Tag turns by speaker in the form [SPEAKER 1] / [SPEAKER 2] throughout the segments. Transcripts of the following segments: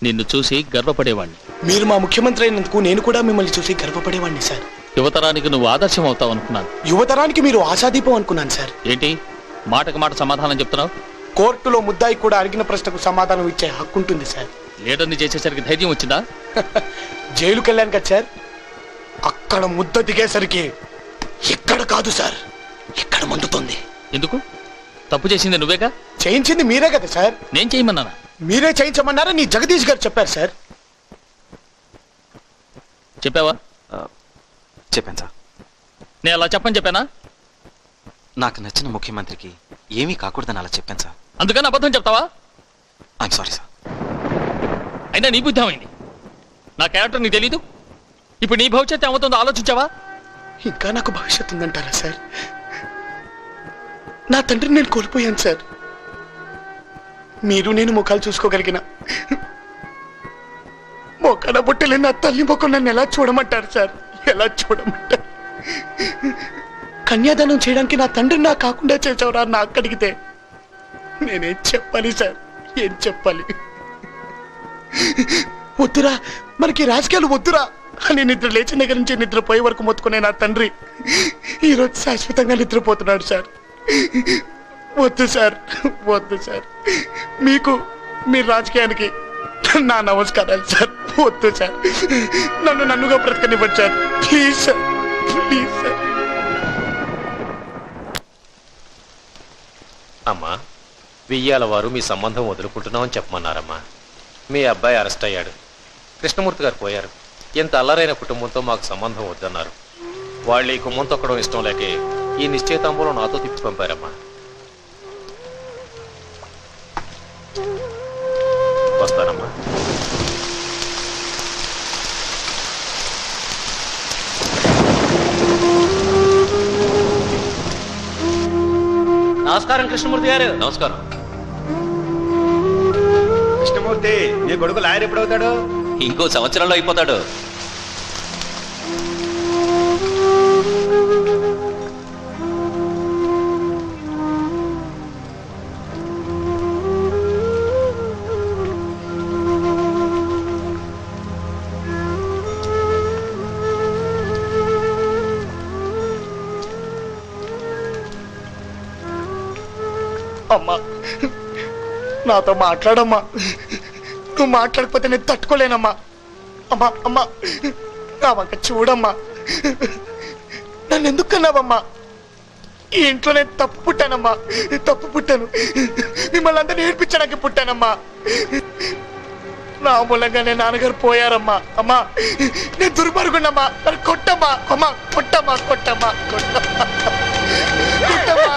[SPEAKER 1] నిన్ను చూసి గర్వపడేవాణ్ణి.
[SPEAKER 2] మీరు మా ముఖ్యమంత్రి అయినందుకు నేను కూడా మిమ్మల్ని చూసి గర్వపడేవాడిని సార్.
[SPEAKER 1] యువతరానికి నువ్వు ఆదర్శం అవుతావు అనుకున్నాను.
[SPEAKER 2] యువతరానికి మీరు ఆశాదీపం అనుకున్నాను సార్.
[SPEAKER 1] ఏంటి మాటకు మాట సమాధానం చెప్తున్నావు?
[SPEAKER 2] కోర్టులో ముద్దాయి కూడా అడిగిన ప్రశ్నకు సమాధానం ఇచ్చే హక్కు ఉంటుంది సార్.
[SPEAKER 1] లీడర్ని చేసేసరికి ధైర్యం వచ్చిందా?
[SPEAKER 2] జైలుకి వెళ్ళాను కదా సార్, అక్కడ ముద్ద దిగేసరికి ఎక్కడ కాదు సార్, ఎక్కడ మండుతుంది.
[SPEAKER 1] ఎందుకు? తప్పు చేసింది నువ్వేగా?
[SPEAKER 2] చేయించింది మీరే కదా సార్.
[SPEAKER 1] నేను చేయమన్నానా?
[SPEAKER 2] మీరే చేయించమన్నారా నీ జగదీష్ గారు చెప్పారు సార్.
[SPEAKER 1] చెప్పావా?
[SPEAKER 3] చెప్పాను సార్.
[SPEAKER 1] నేను అలా చెప్పని చెప్పానా?
[SPEAKER 3] నాకు నచ్చిన ముఖ్యమంత్రికి ఏమీ కాకూడదని అలా చెప్పాను సార్.
[SPEAKER 1] అందుకని అబద్ధం చెప్తావా?
[SPEAKER 3] I'm sorry sir.
[SPEAKER 1] అయినా నీ బుద్ధి ఏమైంది? నా క్యారెక్టర్ నీకు తెలీదు? ఇప్పుడు నీ భవిష్యత్తు ఏమవుతుందో ఆలోచించావా?
[SPEAKER 2] ఇంకా నాకు భవిష్యత్తు ఉందంటారా సార్? నా తండ్రిని నేను కోల్పోయాను సార్. మీరు నేను ముఖాలు చూసుకోగలిగిన మొక్కన బుట్టలే నా తల్లి ముఖం నన్ను ఎలా చూడమంటారు సార్? ఎలా చూడమంటారు? కన్యాదానం చేయడానికి నా తండ్రిని నా కాకుండా చేసావురా నా అక్కడిగితే నేనేం చెప్పాలి సార్? ఏం చెప్పాలి? వద్దురా, మనకి రాజకీయాలు వద్దురా అని నిద్ర లేచిన దగ్గర నుంచి నిద్రపోయే వరకు మొత్తుకునే నా తండ్రి ఈరోజు శాశ్వతంగా నిద్రపోతున్నాడు సార్. వద్దు సార్, వద్దు సార్. మీకు మీ రాజకీయానికి నా నమస్కారాలు సార్. వద్దు సార్, నన్నుగా బ్రతకనివ్వండి sir. Please sir, please sir.
[SPEAKER 4] అమ్మా, వెయ్యాల వారు మీ సంబంధం వదులుకుంటున్నామని చెప్పమన్నారమ్మా. మీ అబ్బాయి అరెస్ట్ అయ్యాడు, కృష్ణమూర్తి గారు పోయారు. ఎంత అల్లరైన కుటుంబంతో మాకు సంబంధం వద్దన్నారు. వాళ్ళు ఈ కుమ్మం తొక్కడం ఇష్టం లేకే ఈ నిశ్చయితాంబూలం నాతో తిప్పి పంపారమ్మా. వస్తానమ్మా.
[SPEAKER 1] నమస్కారం కృష్ణమూర్తి గారు.
[SPEAKER 4] నమస్కారం.
[SPEAKER 5] కృష్ణమూర్తి, నీ కొడుకు లాయర్ ఎప్పుడవుతాడు?
[SPEAKER 4] ఇంకో సంవత్సరంలో అయిపోతాడు.
[SPEAKER 2] అమ్మా, నాతో మాట్లాడమ్మా. నువ్వు మాట్లాడకపోతే నేను తట్టుకోలేనమ్మా. అమ్మా, అమ్మా, నా వంక చూడమ్మా. నన్ను ఎందుకు కన్నావమ్మా? ఈ ఇంట్లో నేను తప్పు పుట్టానమ్మా, తప్పు పుట్టాను. మిమ్మల్ని అందరినీ ఏడ్పించడానికి పుట్టానమ్మా. నా మూలంగానే నాన్నగారు పోయారమ్మా. అమ్మా, నేను దుర్మార్గుండమ్మా. నన్ను కొట్టమ్మా. అమ్మా, కొట్టమ్మా, కొట్టమ్మా, కొట్టమ్మా, కొట్టమ్మా.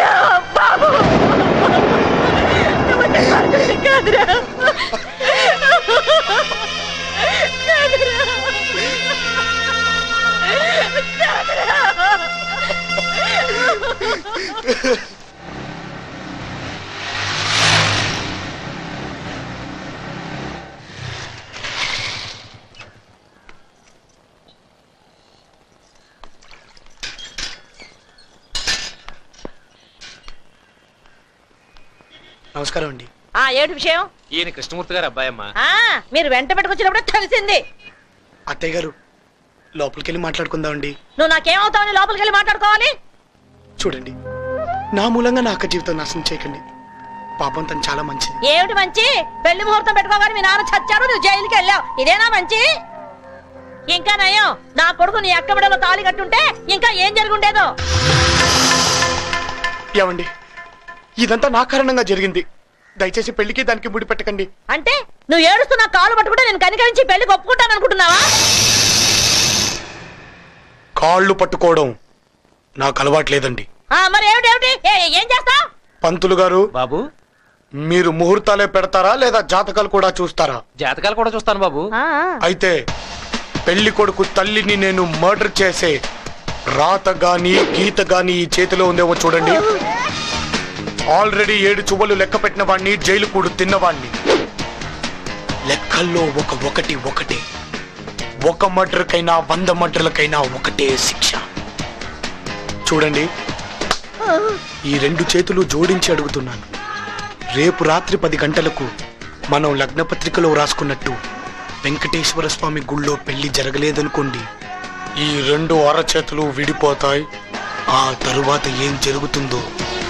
[SPEAKER 2] నమస్కారం అండి.
[SPEAKER 6] ఏమిటి విషయం?
[SPEAKER 4] ఈయన కృష్ణమూర్తి గారు అబ్బాయి అమ్మా.
[SPEAKER 6] మీరు వెంట పెట్టుకొచ్చినప్పుడు తెలిసింది.
[SPEAKER 2] అత్తయ్య గారు, లోపలికి వెళ్ళి మాట్లాడుకుందామండి.
[SPEAKER 6] నువ్వు నాకేమవుతావని లోపలికి వెళ్ళి మాట్లాడుకోవాలి?
[SPEAKER 2] చూడండి, నా మూలంగా నా అక్క జీవితం నాశనం చేయకండి. పాపం తను చాలా మంచిది.
[SPEAKER 6] ఏమిటి మంచి? పెళ్లి ముహూర్తం పెట్టుకోగానే మీ నాన్న చచ్చారు, నువ్వు జైలుకి వెళ్ళావు. ఇదేనా మంచి? ఇంకా నయం, నా కొడుకు నీ అక్క బిడ్డలో తాళి కట్టుంటే ఇంకా ఏం జరుగుండేదో.
[SPEAKER 2] ఏమండి, ఇదంతా నా కారణంగా జరిగింది. దయచేసి పెళ్లికి దానికి ముడి పెట్టకండి.
[SPEAKER 6] అంటే నువ్వు ఏడుస్తున్నా కాలు పట్టుకుంటే నేను కనికరించి పెళ్లికి ఒప్పుకుంటాను అనుకుంటున్నావా?
[SPEAKER 2] కాళ్ళు పట్టుకోవడం నాకు అలవాట్లేదండి.
[SPEAKER 6] మరి ఏమిటి? ఏం చేస్తావు?
[SPEAKER 2] పంతులు గారు,
[SPEAKER 4] బాబు,
[SPEAKER 2] మీరు ముహూర్తాలే పెడతారా లేదా జాతకాలు కూడా చూస్తారా?
[SPEAKER 4] జాతకాలు కూడా చూస్తాను బాబు.
[SPEAKER 2] అయితే పెళ్లి కొడుకు తల్లిని నేను మర్డర్ చేసే రాత గాని గీత గాని ఈ చేతిలో ఉందేమో చూడండి. ఆల్రెడీ 7 చువ్వలు లెక్క పెట్టిన వాడిని, జైలు కూడు తిన్నవాడిని. లెక్కల్లో ఒకటి ఒకటే. ఒక మర్డర్కైనా 100 మర్డర్లకైనా ఒకటే శిక్ష. చూడండి, ఈ 2 చేతులు జోడించి అడుగుతున్నాను. రేపు రాత్రి 10 గంటలకు మనం లగ్న పత్రికలో రాసుకున్నట్టు వెంకటేశ్వర స్వామి గుళ్ళో పెళ్లి జరగలేదనుకోండి, ఈ 2 అరచేతులు విడిపోతాయి. ఆ తరువాత ఏం జరుగుతుందో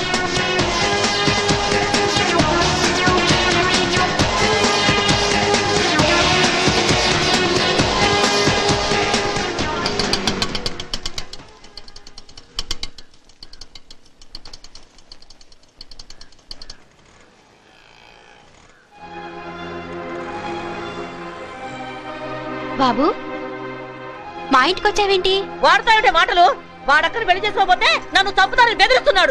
[SPEAKER 7] బాబు, మా ఇంటికి వచ్చావేంటి?
[SPEAKER 6] వాడతాయంటే మాటలు. వాడక్కని పెళ్లి చేసుకోకపోతే నన్ను చంపుతానని బెదిరిస్తున్నాడు.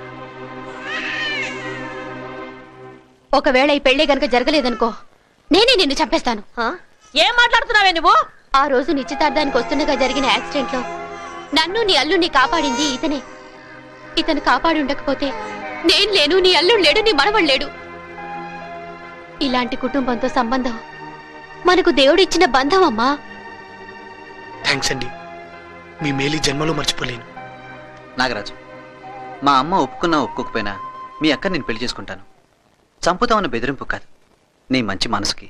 [SPEAKER 7] ఒకవేళ ఈ పెళ్లి గనక జరగలేదనుకో, నేనే నిన్ను చంపేస్తాను.
[SPEAKER 6] ఆ? ఏం మాట్లాడుతున్నావే నువ్వు?
[SPEAKER 7] ఆ రోజు నిశ్చితార్థానికి వస్తుండగా జరిగిన యాక్సిడెంట్ లో నన్ను నీ అల్లుడిని కాపాడింది ఇతనే. ఇతను కాపాడి ఉండకపోతే నేను లేను, నీ అల్లుడు లేడు, నీ మనవడు లేడు. ఇలాంటి కుటుంబంతో సంబంధం మనకు దేవుడిచ్చిన బంధం అమ్మా.
[SPEAKER 2] థ్యాంక్స్ అండి, మీ మేలు ఈ జన్మలో మర్చిపోలేను.
[SPEAKER 3] నాగరాజు, మా అమ్మ ఒప్పుకున్నా ఒప్పుకోకపోయినా మీ అక్క నేను పెళ్లి చేసుకుంటాను. చంపుతామన్న బెదిరింపు కాదు, నీ మంచి మనసుకి.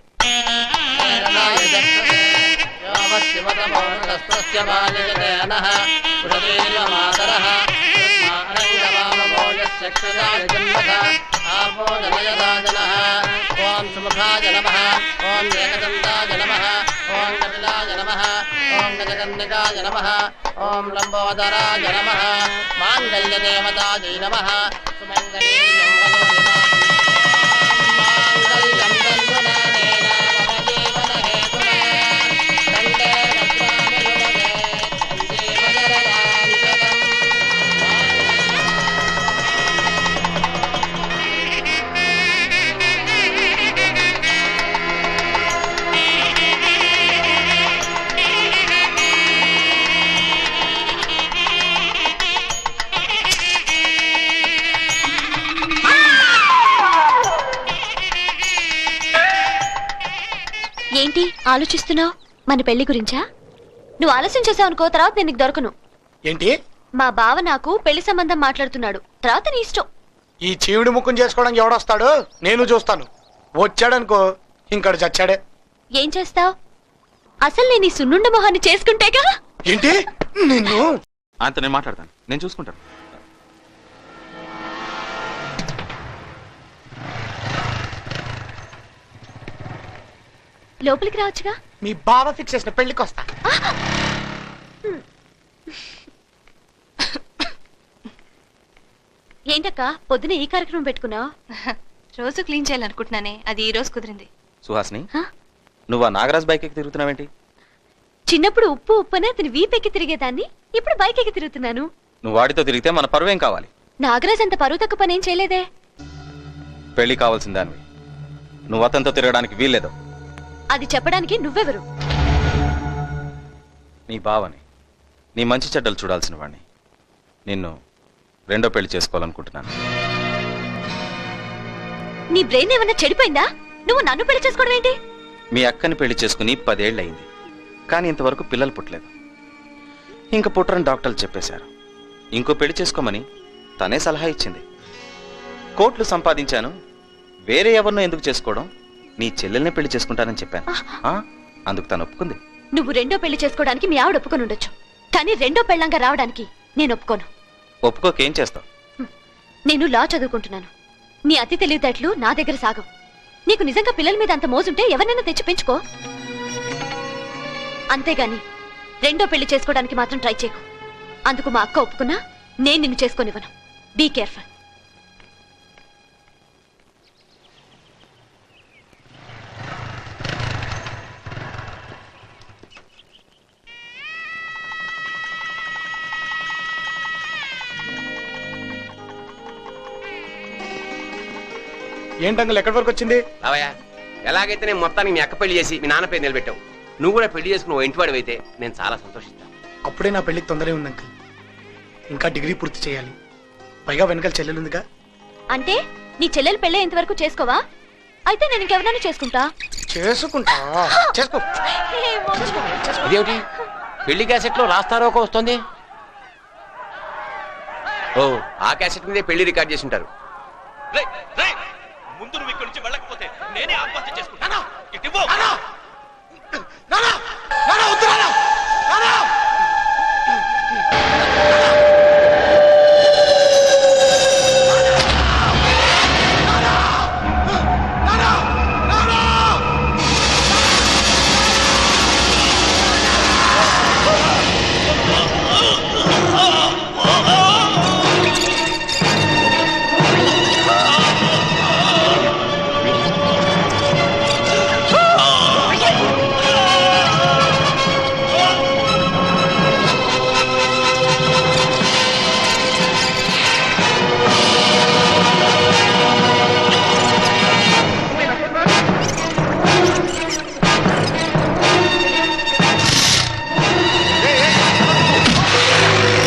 [SPEAKER 8] ఓం సుముఖాయ నమః, ఓం ఏకదంతాయ నమః, ఓం కపిలాయ నమః, ఓం గజకర్ణికాయ నమః, ఓం లంబోదరాయ నమః, మాంగళ్యదేవతాయై నమః, సుమంగళీయం మాంగళ్యం తంతునానేన మమ జీవన హేతునా, కంఠే భద్రామి యువగే, సంజీవనరదాం శతం.
[SPEAKER 7] ఏంటి ఆలోచిస్తున్నావు? మన పెళ్లి గురించా? నువ్వు ఆలస్యం చేసావు అనుకో, తర్వాత నేను నీకు దొరకను.
[SPEAKER 2] ఏంటి?
[SPEAKER 7] మా బావ నాకు పెళ్లి సంబంధం మాట్లాడుతున్నాడు, తర్వాత నీ ఇష్టం.
[SPEAKER 2] ఈ చీవుడి ముఖం చేసుకోవడానికి ఎవడొస్తాడు? నేను చూస్తాను. వచ్చాడనుకో ఇంకడు చచ్చాడే.
[SPEAKER 7] ఏం చేస్తావు? అసలు నేను ఈ సున్నుండ మొహాన్ని చేసుకుంటేగా.
[SPEAKER 2] ఏంటి? నిన్ను
[SPEAKER 3] అంత నేను మాట్లాడతాను, నేను చూసుకుంటాను.
[SPEAKER 7] లోపలికి రావచ్చుగా.
[SPEAKER 2] మీ బావ ఫిక్స్ చేసిన పెళ్లికి వస్తా.
[SPEAKER 7] ఏంటక్క పొద్దున ఈ కార్యక్రమం పెట్టుకున్నావు?
[SPEAKER 9] రోజు క్లీన్ చేయాలనుకుంటున్నానే, అది ఈ రోజు కుదిరింది.
[SPEAKER 3] సుహాసిని, నువ్వు ఆ నాగరాజ్ బైక్ ఎక్కి తిరుగుతున్నావేంటి?
[SPEAKER 7] చిన్నప్పుడు ఉప్పు ఉప్పనే అతని వీపెక్కి తిరిగేదాన్ని, ఇప్పుడు బైక్ ఎక్కి తిరుగుతున్నాను.
[SPEAKER 3] నువ్వు వాడితో తిరిగితే మన పరువేం కావాలి?
[SPEAKER 7] నాగరాజ్ అంత పరువు తక్కువ పనేం చేయలేదే.
[SPEAKER 3] పెళ్లి కావాల్సిన దానివి, నువ్వు అతనితో తిరగడానికి వీల్లేదు.
[SPEAKER 7] అది చెప్పడానికి నువ్వెవరు?
[SPEAKER 3] నీ బావని, నీ మంచి చెడ్డలు చూడాల్సిన వాడిని. నిన్ను 2వ పెళ్లి చేసుకోవాలనుకుంటున్నాను.
[SPEAKER 7] నీ బ్రెయిన్ ఏమన్నా చెడిపోయిందా? నువ్వు నన్ను పెళ్లి చేసుకోవడం ఏంటి?
[SPEAKER 3] మీ అక్కని పెళ్లి చేసుకుని 10 ఏళ్ళు అయింది, కానీ ఇంతవరకు పిల్లలు పుట్టలేదు. ఇంక పుట్టరని డాక్టర్లు చెప్పేశారు. ఇంకో పెళ్లి చేసుకోమని తనే సలహా ఇచ్చింది. కోట్లు సంపాదించాను, వేరే ఎవరినో ఎందుకు చేసుకోవడం, నీ చెల్లెల్నే పెళ్లి చేసుకుంటానని చెప్పాను. అందుకు తను ఒప్పుకుంది.
[SPEAKER 7] నువ్వు 2వ పెళ్లి చేసుకోవడానికి మీ ఆవిడ ఒప్పుకొని ఉండొచ్చు, కానీ 2వ పెళ్ళంగా రావడానికి నేను ఒప్పుకోను.
[SPEAKER 3] ఒప్పుకోకేం చేస్తావు?
[SPEAKER 7] నేను లా చదువుకుంటున్నాను. నీ అతి తెలివితేటలు నా దగ్గర సాగవు. నీకు నిజంగా పిల్లల మీద అంత మోజుంటే ఎవరినైనా తెచ్చి పెంచుకో. అంతేగాని 2వ పెళ్లి చేసుకోవడానికి మాత్రం ట్రై చేయకు. అందుకు మా అక్క ఒప్పుకున్నా నేను నిన్ను చేసుకోనివ్వను. Be careful.
[SPEAKER 2] ఏంటంగల్ ఎక్కడి వరకు వచ్చింది?
[SPEAKER 5] అవయ్యా, ఎలాగైతే నేను మొత్తానికి మీ అక్క పెళ్లి చేసి మీ నాన్న పేరు నిలబెట్టావు. నువ్వు కూడా పెళ్లి చేసుకుని ఓ ఇంటివాడు అయితే నేను చాలా సంతోషిస్తాను.
[SPEAKER 2] అప్పుడే నా పెళ్లికి తొందరే ఉంది అంకుల్. ఇంకా డిగ్రీ పూర్తి చేయాలి. పైగా వెనకాల చెల్లెలుందిగా.
[SPEAKER 7] అంటే నీ చెల్లెలు పెళ్ళే ఇంతవరకు చేసుకోవా? అయితే నేను ఇంకెవరైనా చేసుకుంటా.
[SPEAKER 2] చేసుకుంటా, చేసుకో.
[SPEAKER 5] ఇదేమిటి పెళ్లి క్యాసెట్ లో రాస్తారో ఒక వస్తుంది? ఓ, ఆ క్యాసెట్ మీదే పెళ్లి రికార్డ్ చేసి ఉంటారు.
[SPEAKER 10] ముందు నువ్వు ఇక్కడి నుంచి వెళ్ళకపోతే
[SPEAKER 5] నేనే ఆత్మహత్య చేసుకుంటాను. ఇటు ఇవ్వు.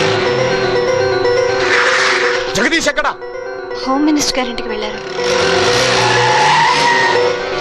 [SPEAKER 2] జగదీష్ ఎక్కడా?
[SPEAKER 9] హోమ్ మినిస్టర్ గారింటికి వెళ్ళారు.